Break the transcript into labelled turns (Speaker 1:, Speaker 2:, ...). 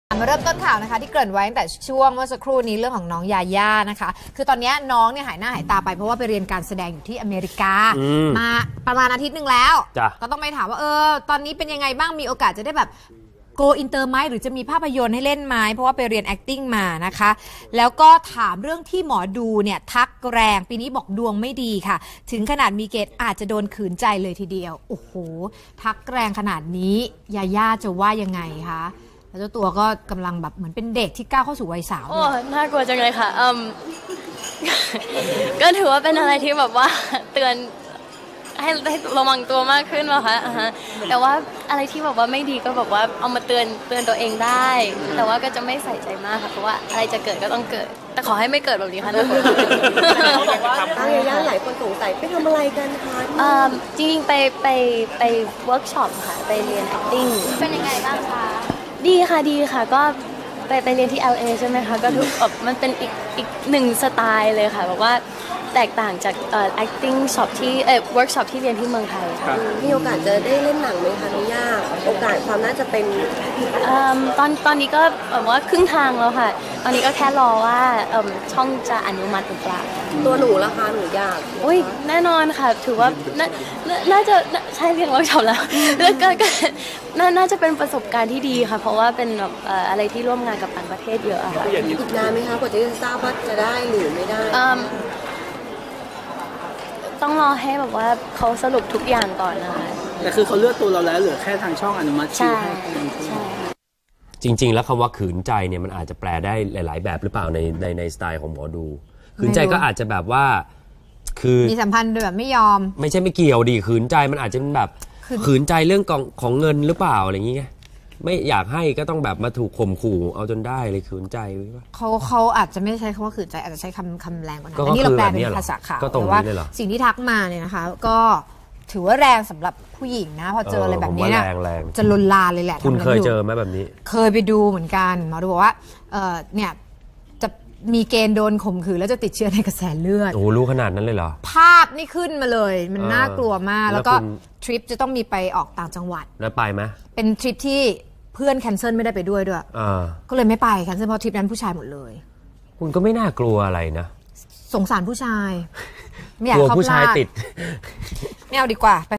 Speaker 1: มาเริ่มต้นข่าวนะคะที่เกริ่นไว้ตั้งแต่ช่วงเมื่อสักครู่นี้เรื่องของน้องยาย่านะคะคือตอนนี้น้องเนี่ยหายหน้าหายตาไปเพราะว่าไปเรียนการแสดงอยู่ที่อเมริกามาประมาณอาทิตย์หนึ่งแล้วก็ต้องไปถามว่าตอนนี้เป็นยังไงบ้างมีโอกาสจะได้แบบโกอินเตอร์ไหมหรือจะมีภาพยนตร์ให้เล่นไหมเพราะว่าไปเรียน acting มานะคะแล้วก็ถามเรื่องที่หมอดูเนี่ยทักแรงปีนี้บอกดวงไม่ดีค่ะถึงขนาดมีเกณฑ์อาจจะโดนขืนใจเลยทีเดียวโอ้โหทักแรงขนาดนี้ยาย่าจะว่ายังไงคะแล้วเจ้าตัวก็กำลังแบบเหมือนเป็นเด็กที่ก้าวเข้าสู่วัยสาว
Speaker 2: โอ้น่ากลัวจังเลยค่ะก็ถือว่าเป็นอะไรที่แบบว่าเตือนให้ระวังตัวมากขึ้นว่ะคะแต่ว่าอะไรที่แบบว่าไม่ดีก็แบบว่าเอามาเตือนตัวเองได้ แต่ว่าก็จะไม่ใส่ใจมากค่ะเพราะว่าอะไรจะเกิดก็ต้องเกิดแต่ขอให้ไม่เกิดแบบนี้ค่ะนะ
Speaker 3: ทางยาย่าหลายคนสงสัยไปทำอะไรกันคะ
Speaker 2: จริงๆไปเวิร์กช็อปค่ะไปเรียน acting เป็นยังไงบ้างคะดีค่ะก็ไปเรียนที่ LA ใช่ไหมคะก็แบบมันเป็นอีกหนึ่งสไตล์เลยค่ะแบบว่าแตกต่างจากacting shop ที่workshop ที่เรียนที่เมืองไทยค่ะ
Speaker 3: มีโอกาสจะได้เล่นหนังไหมคะน้องย่าโอกาสความน่าจะเป็น
Speaker 2: ตอนนี้ก็แบบว่าครึ่งทางแล้วค่ะตอนนี้ก็แค่รอว่าช่องจะอนุมัติหรือเปล่า
Speaker 3: ตัวหนูล่ะคะหนูอยาก
Speaker 2: อุ้ยแน่นอนค่ะถือว่าน่าจะใช่เรียนเวิร์กช็อปแล้วแล้วก็น่าจะเป็นประสบการณ์ที่ดีค่ะเพราะว่าเป็นแบบอะไรที่ร่วมงานกับต่างประเทศเยอะค่ะ
Speaker 3: อีกนานไหมคะกว่าจะทราบว่าจะได้หรือไม่ได้
Speaker 2: ต้องรอให้แบบว่าเขาสรุปทุกอย่างก่อนนะคะ
Speaker 4: แต่คือเขาเลือกตัวเราแล้วเหลือแค่ทางช่องอนุมัติชื่อให้
Speaker 2: ใช่
Speaker 5: จริงๆแล้วคำว่าขืนใจเนี่ยมันอาจจะแปลได้หลายๆแบบหรือเปล่าในสไตล์ของหมอดูขืนใจก็อาจจะแบบว่าคือ
Speaker 1: มีสัมพันธ์โดยแบบไม่ยอม
Speaker 5: ไม่ใช่ไม่เกี่ยวดิขืนใจมันอาจจะเป็นแบบขืนใจเรื่องของเงินหรือเปล่าอะไรอย่างเงี้ยไม่อยากให้ก็ต้องแบบมาถูกข่มขู่เอาจนได้เลยขืนใจหรือเปล่า
Speaker 1: เขาอาจจะไม่ใช้คำว่าขืนใจอาจจะใช้คำแรงกว่านั้นอันนี้เราแปลเป็นภาษาข่าวแต่ว่าสิ่งที่ทักมาเนี่ยนะคะก็ถือว่าแรงสำหรับผู้หญิงนะพอเจออะไรแบบนี้เนี่ยจะลนลานเลยแหละ
Speaker 5: คุณเคยเจอไหมแบบนี้
Speaker 1: เคยไปดูเหมือนกันหมอดูบอกว่าเนี่ยจะมีเกณฑ์โดนข่มขืนแล้วจะติดเชื้อในกระแสเลือด
Speaker 5: โอ้รู้ขนาดนั้นเลยเหรอ
Speaker 1: ภาพนี่ขึ้นมาเลยมันน่ากลัวมากแล้วก็ทริปจะต้องมีไปออกต่างจังหวัด
Speaker 5: แล้วไปไหม
Speaker 1: เป็นทริปที่เพื่อนแคนเซิลไม่ได้ไปด้วยก็เลยไม่ไปแคนเซิลเพราะทริปนั้นผู้ชายหมดเลย
Speaker 5: คุณก็ไม่น่ากลัวอะไรนะ
Speaker 1: สงสารผู้ชายไม่อยาก
Speaker 5: กลัวผู้ชายติด
Speaker 1: ไม่เอาดีกว่า